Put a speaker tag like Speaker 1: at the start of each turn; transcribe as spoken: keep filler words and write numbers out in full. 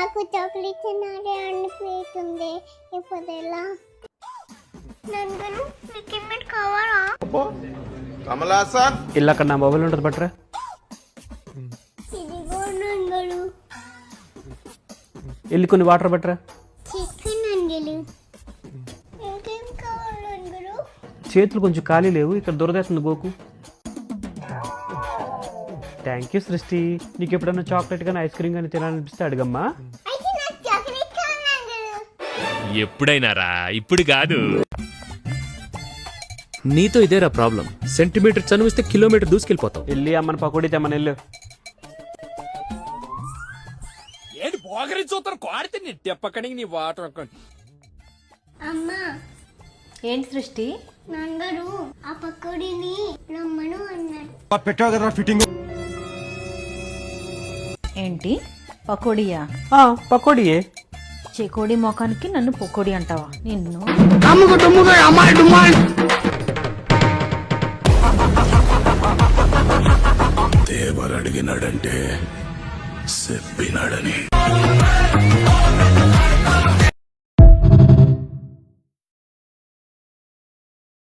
Speaker 1: నాకు చాక్లెట్ తినాలి అనిపిస్తుంది. ఇప్పుడు ఎలా? నందను మీకు ఏమైనా కావాలా?
Speaker 2: కమలాసన్
Speaker 3: ఇల్లు అక్కడ నా మొబైల్ ఉంటుంది బట్రా.
Speaker 1: ఇదిగో నందను.
Speaker 3: వెళ్ళి కొన్ని వాటర్ బట్రా.
Speaker 1: చికెన్ నందలు. ఇంకేం కావాలి నందను?
Speaker 3: చేతులు కొంచెం ఖాళీ లేవు, ఇక్కడ దొరదేస్తుంది గోకు. థ్యాంక్ యూ సృష్టి. నీకు ఎప్పుడన్నా చాక్లెట్ కానీ ఐస్ క్రీమ్ కానీ తినాలనిపిస్తే అడగమ్మా.
Speaker 1: అయితే నాకు చాక్లెట్ కావాలి నందను.
Speaker 4: ఎప్పుడైనారా, ఇప్పుడు కాదు. నీతో ఇదేరా ప్రాబ్లం. సెంటీమీటర్ చనువిస్తే కిలోమీటర్ దూసుకెళ్ళిపోతావు.
Speaker 3: వెళ్ళి అమ్మని పకోడీ తెమ్మని వెళ్ళు.
Speaker 5: ఏంటి పోగరి చూస్తారు కోడితే నీ తెప్పకడికి నీ వాటర్
Speaker 1: అమ్మా
Speaker 6: ఏంటి సృష్టి?
Speaker 1: నందరు ఆ పకోడీని రమ్మను అన్నాడు.
Speaker 2: పెట్టావు కదా ఫిట్టింగ్.
Speaker 6: ఏంటి పకోడియా?
Speaker 3: ఆ, పకోడీయే.
Speaker 6: చెకోడి మొఖానికి నన్ను పొకోడి అంటావా? నిన్ను
Speaker 7: దేవరడిగినాడంటే చెప్పినాడని.